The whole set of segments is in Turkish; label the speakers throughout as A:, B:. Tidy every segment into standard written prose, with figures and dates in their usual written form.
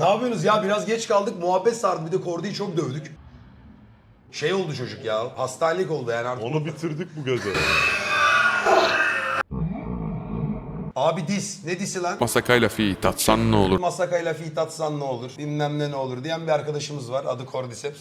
A: Ne yapıyorsunuz ya? Biraz geç kaldık. Muhabbet sardı. Bir de Kordi'yi çok dövdük. Şey oldu çocuk ya. Hastanelik oldu yani artık.
B: Onu bitirdik bu gece.
A: Abi dis. Ne disi lan?
C: Masakayla fi tatsan ne olur?
A: Masakayla fit atsan ne olur? Bilmem ne olur diyen bir arkadaşımız var. Adı Cordyceps.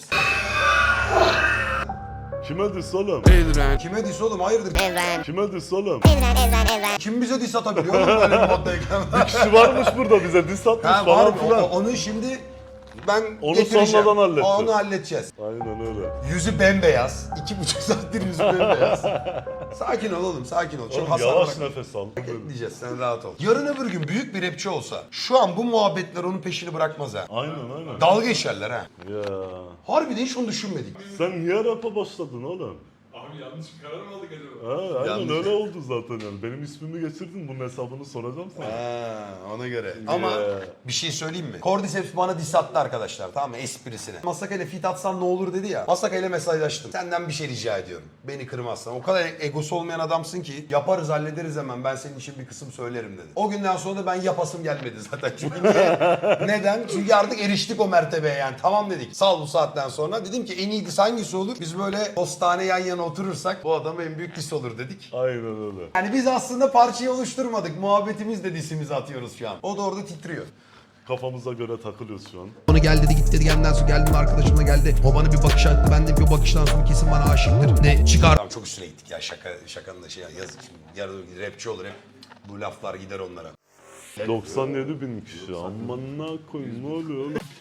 B: Kime dis oğlum?
C: Elren.
A: Kime dis oğlum? Hayırdır?
B: Kime dis oğlum?
A: Kim bize dis atabiliyor oğlum böyle bir moddayken?
B: Kişi varmış burada bize dis atmış
A: Ha,
B: falan
A: var,
B: filan.
A: onu şimdi ben
B: Onu
A: getireceğim.
B: sonradan halledeceğiz.
A: Onu halledeceğiz.
B: Aynen öyle.
A: Yüzü bembeyaz. 2,5 saattir yüzü bembeyaz. Sakin ol oğlum, sakin ol. Çok
B: Oğlum
A: hasar
B: yavaş
A: bırakma.
B: nefes al.
A: Diyeceğiz, sen rahat ol. Yarın öbür gün büyük bir rapçi olsa, şu an bu muhabbetler onun peşini bırakmaz ha.
B: Aynen.
A: Dalga geçerler ha.
B: Ya.
A: Harbiden hiç onu düşünmedik.
B: Sen niye rap'a başladın oğlum?
D: Abi yanlış bir karar mı aldık acaba?
B: Ha, aynen
A: Yanlış.
B: öyle oldu zaten yani. Benim ismimi geçirdin, bunun hesabını soracağım sana.
A: Ha, ona göre. Ama
B: Yeah.
A: bir şey söyleyeyim mi? Cordyceps bana diss attı arkadaşlar, tamam mı? Esprisine. Masaka ile fit atsan ne olur dedi ya. Masaka ile mesajlaştım. Senden bir şey rica ediyorum. Beni kırmazsan. O kadar egosu olmayan adamsın ki yaparız hallederiz hemen. Ben senin için bir kısım söylerim dedi. O günden sonra da ben yapasım gelmedi zaten. Çünkü niye? Neden? Çünkü artık eriştik o mertebeye yani. Tamam dedik. Sal bu saatten sonra. Dedim ki en iyi diss hangisi olur? Biz böyle postane yan yana oturursak bu adam en büyük diss olur dedik.
B: Aynen öyle.
A: Yani biz aslında parçayı oluşturmadık. Muhabbetimizle dissimizi atıyoruz şu an. O da orada titriyor.
B: Kafamıza göre takılıyoruz şu an.
E: Onu gel dedi git dedi gelden sonra geldim arkadaşımla geldi. O bana bir bakış attı, ben de bir bakıştan sonra kesin bana aşıktır. Ne çıkar
A: Tamam çok üstüne gittik ya şakanın da şey yazık şimdi. Yarın rapçi olur hep. Bu laflar gider onlara.
B: 97 bin kişi. Aman ne koyayım, ne oluyor oğlum?